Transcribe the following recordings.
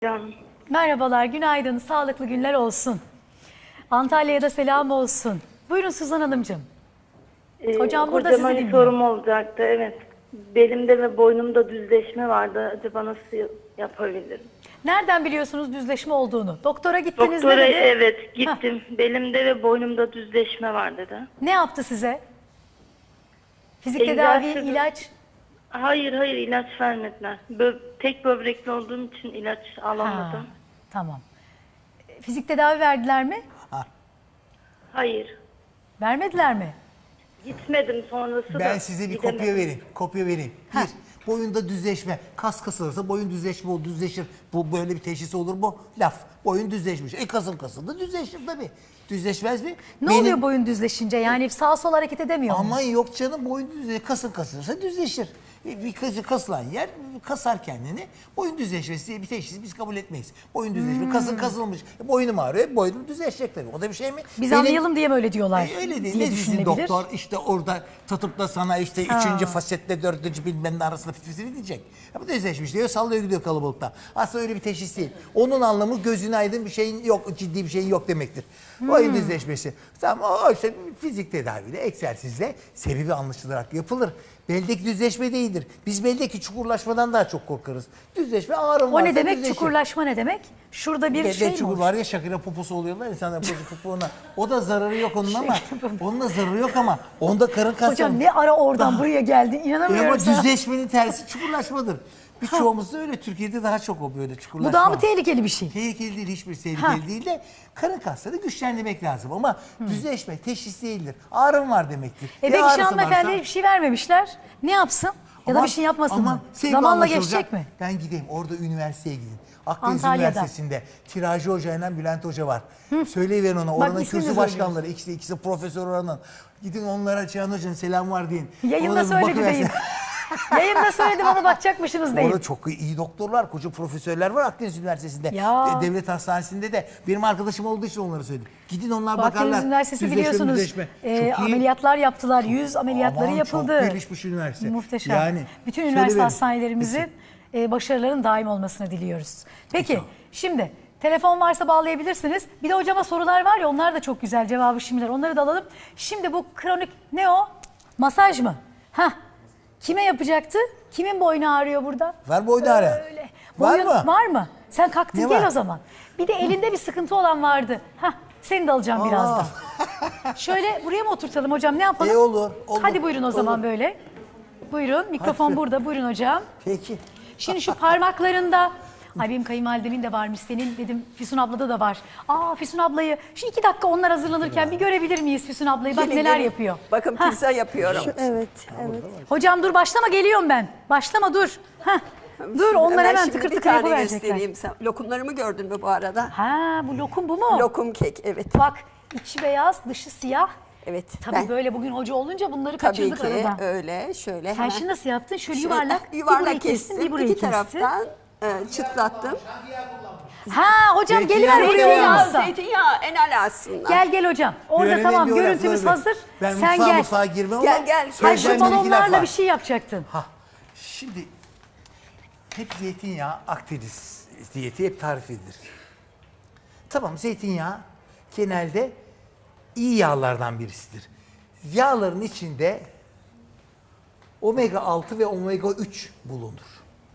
Canım. Merhabalar, günaydın, sağlıklı günler olsun. Antalya'ya da selam olsun. Buyurun Suzan Hanımcığım. Hocam burada sizi Kocama bir dinliyor. sorum olacaktı. Evet. Belimde ve boynumda düzleşme vardı. Acaba nasıl yapabilirim? Nereden biliyorsunuz düzleşme olduğunu? Doktora gittiniz Doktora ne dedi? evet gittim. Belimde ve boynumda düzleşme var dedi. Ne yaptı size? Fizik Egzersiz- tedavi, ilaç. Hayır ilaç vermediler. Tek böbrekli olduğum için ilaç alamadım. Tamam. Fizik tedavi verdiler mi? Hayır. Vermediler mi? Gitmedim sonrası da. Ben size bir gidemedim. kopya vereyim. Bir, boyunda düzleşme. Kas kasılırsa boyun düzleşme olur, düzleşir. Bu böyle bir teşhis olur mu? Laf. Boyun düzleşmiş. Kasın kasıldı düzleşir tabii. Düzleşmez mi? Ne oluyor boyun düzleşince? Yani sağ sol hareket edemiyor mu? Aman yok canım, boyun düzleşir. Kasın kasılırsa düzleşir. Bir kasılan yer kasar kendini. Boyun düzleşmesi diye bir teşhis biz kabul etmeyiz. Boyun düzleşme, kasın kasılmış. Boynum ağrıyor, boynum düzleşecek tabii. O da bir şey mi? Biz anlayalım diye mi öyle diyorlar? Öyle değil. diye Ne bizim düşünülebilir. doktor işte orada tutup da sana işte üçüncü fasetle dördüncü bilmem ne arasında fitrifini diyecek. Ya bu düzleşmiş diyor, sallıyor gidiyor kalabalıkta. Aslında öyle bir teşhis değil. Onun anlamı gözün aydın bir şeyin yok, ciddi bir şeyin yok demektir. Boyun düzleşmesi. Tamam, o işte fizik tedaviyle, egzersizle sebebi anlaşılarak yapılır. Beldeki düzleşme değildir. Biz beldeki çukurlaşmadan daha çok korkarız. Düzleşme ağrım O varsa ne demek? düzleşir. Çukurlaşma ne demek? Şurada bir Belde şey mi çukur olur? var ya, Şakir'e poposu oluyorlar insanlar popoğuna. O da zararı yok onun ama. Şey, Onun da zararı yok ama. Onda karın kasları. Hocam ne ara oradan buraya geldin? İnanamıyorum Ama sana. düzleşmenin tersi çukurlaşmadır. Birçoğumuzda öyle. Türkiye'de daha çok o böyle çukurlaşma. Bu daha mı tehlikeli bir şey? Tehlikeli değil, hiçbir tehlikeli değil de karın kasları güçlendirmek lazım ama düzleşme teşhis değildir. Ağrım var demektir. Peki ağrısı hanımefendiye varsa- bir şey vermemişler. Ne yapsın? Ya da Aman, bir şey yapmasın aman, mı? sevgi Zamanla anlaşılacak. geçecek mi? Ben gideyim orada üniversiteye gidin. Akdeniz Antalya'da. Üniversitesi'nde Tiracı Hoca ile Bülent Hoca var. Söyleyiverin ona. Oranın ismini kürsü de başkanları. İkisi profesör oranın. Gidin onlara Cihan Hoca'nın selam var deyin. Yayında Ona bir söyledi bakıversin. deyin. Yayında söyledi bana bakacakmışsınız deyin. Orada çok iyi doktorlar, koca profesörler var Akdeniz Üniversitesi'nde. Ya. Devlet Hastanesi'nde de. Benim arkadaşım olduğu için onları söyledim. Gidin onlar Bu bakarlar. Akdeniz Üniversitesi Düzleşme, biliyorsunuz müzleşme. Çok iyi. ameliyatlar yaptılar. 100 ameliyatları Aman, yapıldı. çok gelişmiş üniversite. Muhteşem. Yani, bütün şöyle üniversite verin. hastanelerimizin başarıların daim olmasını diliyoruz. Peki şimdi telefon varsa bağlayabilirsiniz. Bir de hocama sorular var ya, onlar da çok güzel cevabı şimdiler. Onları da alalım. Şimdi bu kronik ne o? Masaj mı? Hah. Kime yapacaktı? Kimin boynu ağrıyor burada? Var boynu ağrı. Öyle. Var Boyun- mı? Var mı? Sen kalktın Ne gel var? o zaman. Bir de elinde bir sıkıntı olan vardı. Hah. Seni de alacağım birazdan. Şöyle buraya mı oturtalım hocam, ne yapalım? Olur. Hadi buyurun o zaman olur. böyle. Buyurun, mikrofon Hadi. burada. Buyurun hocam. Peki. Şimdi şu parmaklarında, ay benim kayınvalidemin de varmış, senin dedim Füsun ablada da var. Aa Füsun ablayı, şu 2 dakika onlar hazırlanırken bir görebilir miyiz Füsun ablayı? Bak Gelin, neler gelin. yapıyor. Bakın Hah. pizza yapıyorum. Evet, evet. Hocam dur başlama, geliyorum ben. Başlama dur. Hah. Dur onlar hemen şimdi tıkır bir tıkır tane yapıverecekler. göstereyim. Sen lokumlarımı gördün mü bu arada? Ha bu lokum bu mu? Lokum kek, evet. Bak içi beyaz dışı siyah. Evet. Tabii ben- böyle bugün hoca olunca bunları Tabii kaçırdık ki aradan. öyle. Şöyle Sen hemen. şimdi nasıl yaptın? Şöyle Şöyle yuvarlak, bir yuvarlak burayı kestin, kestim. bir burayı İki kestin. taraftan çıtlattım. Ha hocam Zeytinyağı geliver buraya zeytinyağı. olmazsa. Zeytinyağı en ala aslında. Gel hocam. Orada Öğrenelim tamam bir o görüntümüz lafları hazır. Ben Sen mutfağa gel. girmem ama Gel, gel. Ay şu söyleyeceğim bir iki laf balonlarla var. bir şey yapacaktın. Şimdi hep zeytinyağı Akdeniz diyeti hep tarif edilir. Tamam, zeytinyağı genelde iyi yağlardan birisidir. Yağların içinde omega 6 ve omega 3 bulunur.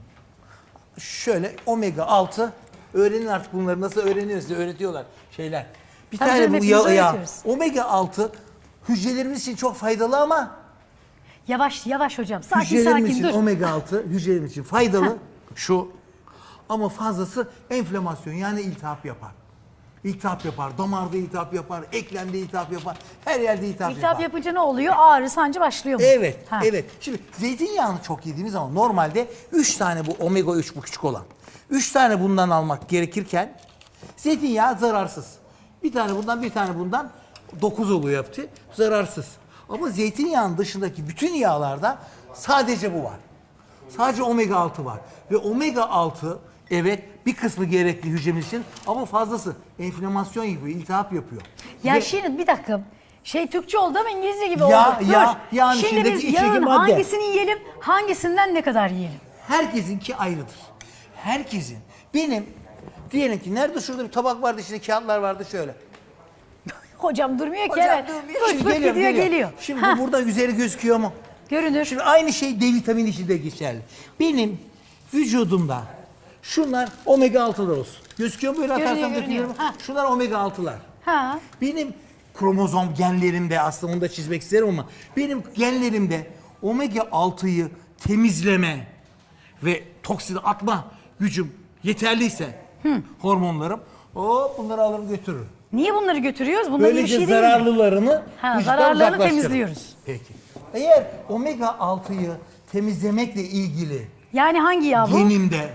Şöyle omega 6 öğrenin artık bunları nasıl öğreniyoruz diye öğretiyorlar şeyler. Bir Tabii tane canım, bu hepimiz yağ. öğretiyoruz. Omega 6 hücrelerimiz için çok faydalı ama Yavaş yavaş hocam. Sakin hücrelerimiz sakin için dur. omega 6 hücrelerimiz için faydalı şu, ama fazlası enflamasyon yani iltihap yapar. İltihap yapar, damarda iltihap yapar, eklemde iltihap yapar, her yerde iltihap İltihap yapar. yapınca ne oluyor? Ağrı sancı başlıyor mu? Evet, Ha. evet. Şimdi zeytinyağını çok yediğimiz zaman normalde 3 tane bu omega 3 bu küçük olan. 3 tane bundan almak gerekirken zeytinyağı zararsız. Bir tane bundan, bir tane bundan 9 oluyor yaptı. Zararsız. Ama zeytinyağının dışındaki bütün yağlarda sadece bu var. Sadece omega 6 var. Ve omega 6 evet bir kısmı gerekli hücremiz için ama fazlası enflamasyon yapıyor, iltihap yapıyor. Ya Ve şimdi bir dakika. Türkçe oldu ama İngilizce gibi Yağ, oldu. Dur. yağ, yağın Şimdi içindeki biz içindeki yağın madde. hangisini yiyelim, hangisinden ne kadar yiyelim? herkesinki ayrıdır. Herkesin. Benim Diyelim ki nerede şurada bir tabak vardı, içinde kağıtlar vardı şöyle. Hocam durmuyor ki Hocam hemen. durmuyor. Fırt Şimdi fırt gidiyor geliyor. Şimdi Hah, bu burada üzeri gözüküyor mu? görünür. Şimdi aynı şey D vitamini için de geçerli. Benim vücudumda şunlar omega 6'lar olsun. Gözüküyor mu böyle Görünüyor, atarsam görünüyor. dökülüyor mu? Ha. Şunlar omega 6'lar. Ha. Benim kromozom genlerimde, aslında onu da çizmek isterim ama benim genlerimde omega 6'yı temizleme ve toksini atma gücüm yeterliyse hormonlarım bunları alır götürür. Niye bunları götürüyoruz? Bunlar iyi bir Böylece şey değil mi? zararlılarını Ha, vücuttan zararlarını uzaklaştırır. temizliyoruz. Peki. Eğer omega 6'yı temizlemekle ilgili Yani hangi yağ bu? genimde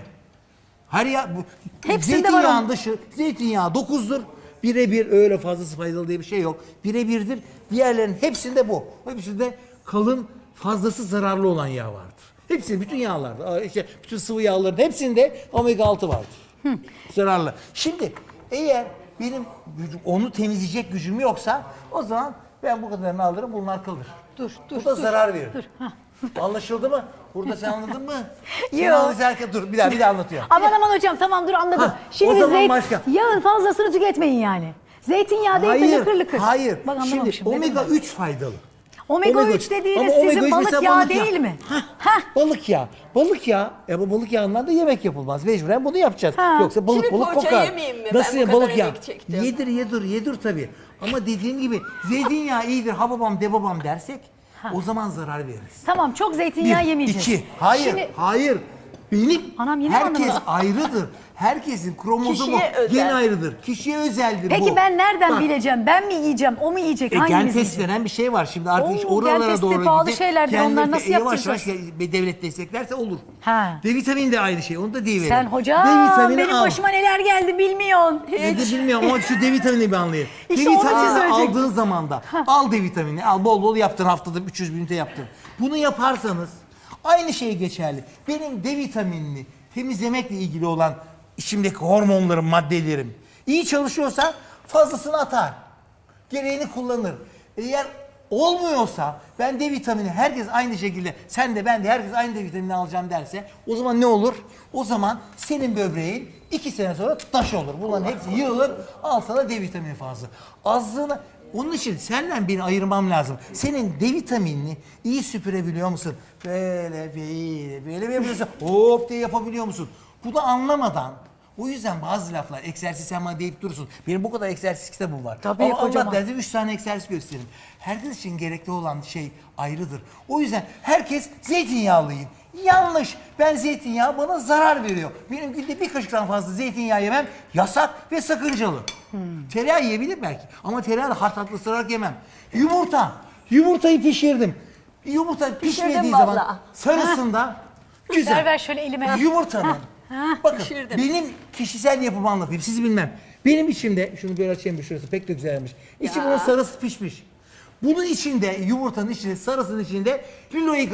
her ya bu Hepsinde var zeytinyağın onun. dışı zeytinyağı 9'dur. Birebir öyle fazlası faydalı diye bir şey yok. Birebirdir. Diğerlerin hepsinde bu. Hepsinde kalın fazlası zararlı olan yağ vardır. Hepsi bütün yağlarda, işte bütün sıvı yağların hepsinde omega 6 vardır. Zararlı. Şimdi eğer benim onu temizleyecek gücüm yoksa o zaman ben bu kadarını alırım, bunlar kalır. Dur, Bu da zarar verir. Dur. Hah. Anlaşıldı mı? Burada sen anladın mı? Sen Yok. anlayacak- dur bir daha anlatıyorum. Aman hocam tamam dur anladım. Ha, Şimdi o zaman başka. yağın fazlasını tüketmeyin yani. Zeytinyağı değil de lıkır lıkır. Hayır. Bak Şimdi anlamamışım. ne omega dedim 3 faydalı. ben? Omega 3 dediğiniz Ama omega sizin üç balık mesela yağı değil mi? Hah. Balık yağı. Balık yağı. Bu balık yağından da yemek yapılmaz. Mecburen bunu yapacağız. Ha. Yoksa balık Şimdi balık poğaça kokar. yemeyeyim mi? Nasıl Ben bu ya, kadar balık yağı? emek çektim. Yedir tabii. Ama dediğim gibi zeytinyağı iyidir, ha babam de babam dersek o zaman zarar veririz. Tamam çok zeytinyağı yemeyeceğiz. 2. Hayır, Şimdi, hayır. Benim Anam yine herkes anlamadım. ayrıdır. Herkesin kromozomu Kişiye özel. gen ayrıdır. Kişiye özeldir bu. peki ben nereden Bak, bileceğim? Ben mi yiyeceğim? O mu yiyecek? gen Hangimiz test yiyecek? denen bir şey var. Şimdi artık iş Oo, gen oralara testi doğru pahalı gidecek. şeylerdir. Kendileri Onları de nasıl yavaş yaptıracağız? yavaş devlet desteklerse olur. Ha. D vitamini de aynı şey. Onu da deyiverelim. Sen hocam D vitamini benim al. başıma neler geldi bilmiyorsun. Ne de bilmiyorum ama şu D vitamini bir anlayın. İşte D onun için vitamini söyleyecektim. aldığın zaman da al D vitamini. Al bol bol yaptın, haftada 300 ünite yaptın. Bunu yaparsanız aynı şey geçerli. Benim D vitaminini temizlemekle ilgili olan içimdeki hormonlarım, maddelerim iyi çalışıyorsa fazlasını atar. Gereğini kullanır. Eğer olmuyorsa ben D vitamini herkes aynı şekilde sen de ben de herkes aynı D vitamini alacağım derse o zaman ne olur? O zaman senin böbreğin 2 sene sonra taş olur. Bunların hepsi yığılır. Al sana D vitamini fazla. Azlığını onun için senden beni ayırmam lazım. Senin D vitaminini iyi süpürebiliyor musun? Böyle mi yapıyorsun? Hop diye yapabiliyor musun? Bunu anlamadan o yüzden bazı laflar, egzersiz sen bana deyip durursun. Benim bu kadar egzersiz kitabım var. Tabii, ama kocaman. Allah derse 3 tane egzersiz gösteririm. Herkes için gerekli olan şey ayrıdır. O yüzden herkes zeytinyağlı yiyin. Yanlış. Ben zeytinyağı bana zarar veriyor. Benim günde bir kaşıktan fazla zeytinyağı yemem yasak ve sakıncalı. Tereyağı yiyebilir belki ama tereyağı da hard tatlı ısırarak yemem. Yumurta. Yumurtayı pişirdim. Yumurta pişmediği zaman vallahi. sarısında güzel. Ver şöyle elime. Yumurtanın. Bakın Pişirdim. benim kişisel yapımı anlatayım. Sizi bilmem. Benim içimde şunu böyle açayım bir şurası pek de güzelmiş. İçi bunun sarısı pişmiş. Bunun içinde yumurtanın içinde sarısının içinde linoik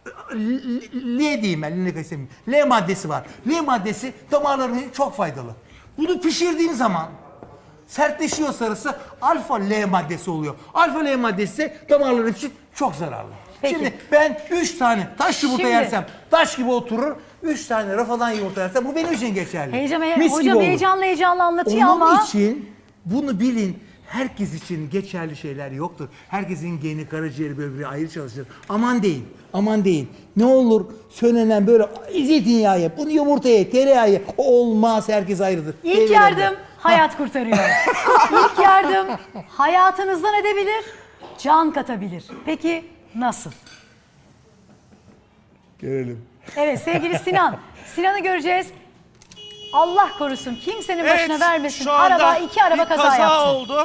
L diyeyim ben linoik istemiyorum. L maddesi var. L maddesi damarların için çok faydalı. Bunu pişirdiğin zaman sertleşiyor sarısı alfa L maddesi oluyor. Alfa L maddesi ise damarların için çok zararlı. Peki. Şimdi ben 3 tane taş yumurta Şimdi- yersem taş gibi oturur. 3 tane rafadan yumurta yersem bu benim için geçerli. Heyecan, Mis gibi hocam olur. heyecanlı anlatıyor Onun ama. için bunu bilin. Herkes için geçerli şeyler yoktur. Herkesin geni, karaciğeri, böbreği ayrı çalışır. Aman deyin, aman deyin. Ne olur söylenen böyle zeytinyağı ye, bunu yumurta ye, tereyağı ye. Olmaz, herkes ayrıdır. İlk Deyiverin yardım de. hayat kurtarıyor. İlk yardım hayatınızdan edebilir, can katabilir. Peki nasıl? Görelim. Evet sevgili Sinan. Sinan'ı göreceğiz. Allah korusun kimsenin başına vermesin. şu anda Araba iki araba bir kaza yaptı. oldu.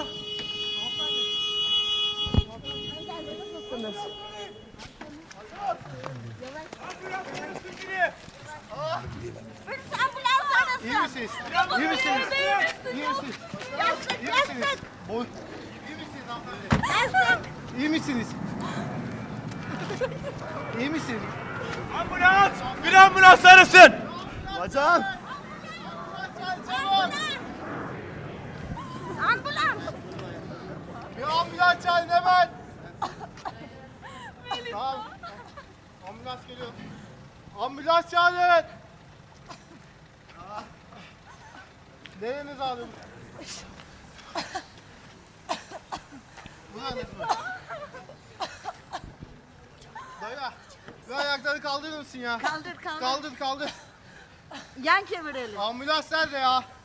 İyi misiniz? İyi misiniz? İyi misiniz? İyi misiniz? İyi misiniz hanımefendi? İyi misiniz? İyi misiniz? Ambulans! Bir ambulans arasın! Bacağım! Ambulans! Bir ambulans çağırın hemen! Tamam. Ambulans geliyor. Ambulans çağırın! Nereniz ağrıyor? Bu da nesi böyle? Dayı, bir ayakları kaldırır mısın ya? Kaldır kaldır. Kaldır kaldır. Yan çevirelim. Ambulans nerede ya?